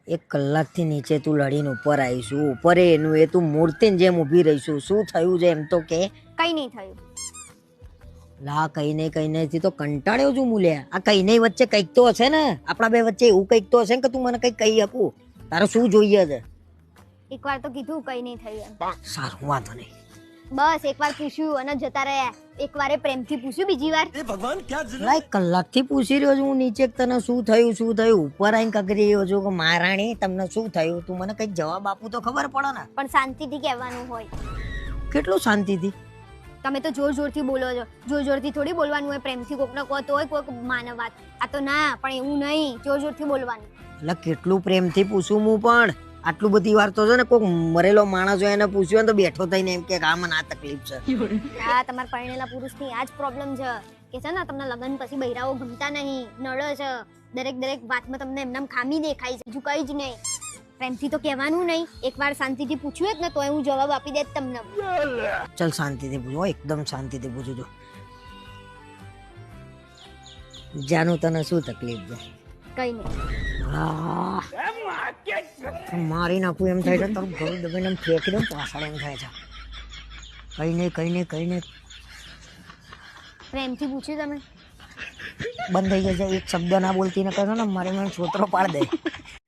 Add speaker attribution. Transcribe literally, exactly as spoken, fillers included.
Speaker 1: એક કલાકથી નીચે તું લડીને ઉપર આવીશું ઉપર એનું એ તું મૂર્તિની જેમ ઊભી રહીશું શું થયું છે એમ તો કે
Speaker 2: કઈ નહીં થયું.
Speaker 1: લા કઈ નહીં કઈ નહીં તો કંટાળ્યો છું મૂલ્યા આ કઈ નહીં વચ્ચે કંઈક તો હશે ને આપણા બે વચ્ચે એવું કંઈક તો હશે ને કે તું મને કંઈક કહી શકું તારે શું જોઈએ છે
Speaker 2: એકવાર તો કીધું કઈ નહીં થયું એમ.
Speaker 1: સારું વાંધો નહીં
Speaker 2: બસ એકવાર પૂછ્યું અને જતા રહ્યા. એકવારે પ્રેમથી પૂછ્યું બીજી વાર.
Speaker 1: લા એક કલાકથી પૂછી રહ્યો છું હું નીચે કે તને શું થયું શું થયું ઉપર આવીને કગરી રહ્યો છું કે મહારાણી તમને શું થયું તું મને કંઈક જવાબ આપું તો ખબર પડે ને
Speaker 2: પણ શાંતિથી કહેવાનું હોય.
Speaker 1: કેટલું શાંતિથી
Speaker 2: તમે તો જોર જોરથી બોલો છો. જોર જોરથી થોડી બોલવાનું હોય. પ્રેમથી કોકને કહો તોય કોઈક માને વાત. આ તો ના પણ એવું નહીં જોર જોરથી બોલવાનું.
Speaker 1: એટલે કેટલું પ્રેમથી પૂછું હું પણ આટલું બધી વાર તો છે ને કોઈક મરેલો માણસ હોય એને પૂછ્યું ને તો બેઠો થઈને એમ કે આ મને આ તકલીફ છે.
Speaker 2: હા તમારા પરણેલા પુરુષની આ જ પ્રોબ્લેમ છે કે છે ને તમને લગ્ન પછી બૈરાઓ ગમતા નહીં નડે છે. દરેક દરેક વાતમાં તમને એમનામ ખામી દેખાય છે બીજું કઈ જ નહીં. પ્રેમથી તો કહેવાનું નહીં. એકવાર શાંતિથી પૂછ્યું જ ને તોય હું જવાબ આપી દેત તમને.
Speaker 1: ચલ શાંતિથી પૂછો એકદમ શાંતિથી પૂછું છું જાનું તને શું તકલીફ છે
Speaker 2: કઈ નહીં.
Speaker 1: હા મારી નાખું એમ થાય છે તારું ઘરું દબાઈને એમ ફેંકી દઉં પાછળ એમ થાય છે કઈ નહીં કઈ નહીં કઈ નહીં
Speaker 2: પ્રેમથી પૂછ્યું તમે
Speaker 1: બંધ થઈ જશે એક શબ્દ ના બોલતી ને કહો ને મારે મને છોતરો પાડ દે